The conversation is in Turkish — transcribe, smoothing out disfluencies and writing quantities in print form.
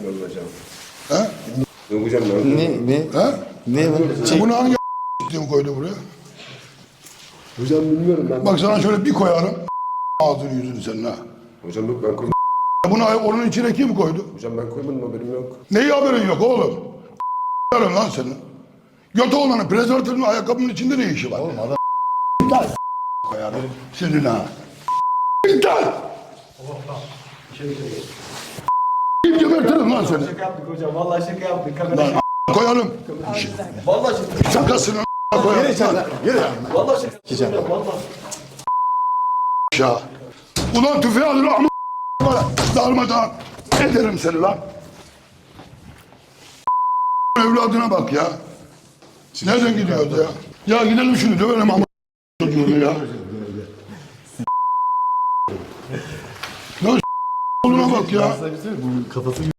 bilmiyorum hocam. He? Yok hocam ben. Ne? He? Ne var? Bunu hangi s**tim koydu buraya? Hocam bilmiyorum ben. Bak sana şöyle bir koyarım. Ağzını yüzünü senin ha. Hocam yok ben koymadım. Bunu onun içine kim koydu? Hocam ben koymadım haberim yok. Neyi haberin yok oğlum? Lan senin. Götü olanın prezervatifin ayakkabının içinde ne işi var? Oğlum adam İptal koyarım. Senin ha. İptal. Gebertirim lan seni. Şaka yaptık hocam. Vallahi şaka yaptık. Kamera Lan koyalım. Vallahi şaka. Şakasını koyalım. yürü. Vallahi şaka yaptık hocam. Vallahi. Ya. Ulan tüfeği alır ama darmadan ederim seni lan. Evladına bak ya. Nereden gidiyordu ya? Ya gidelim şunu dövelim ama çocuğunu ya. Ya oğluna bak ya. Bunun kafası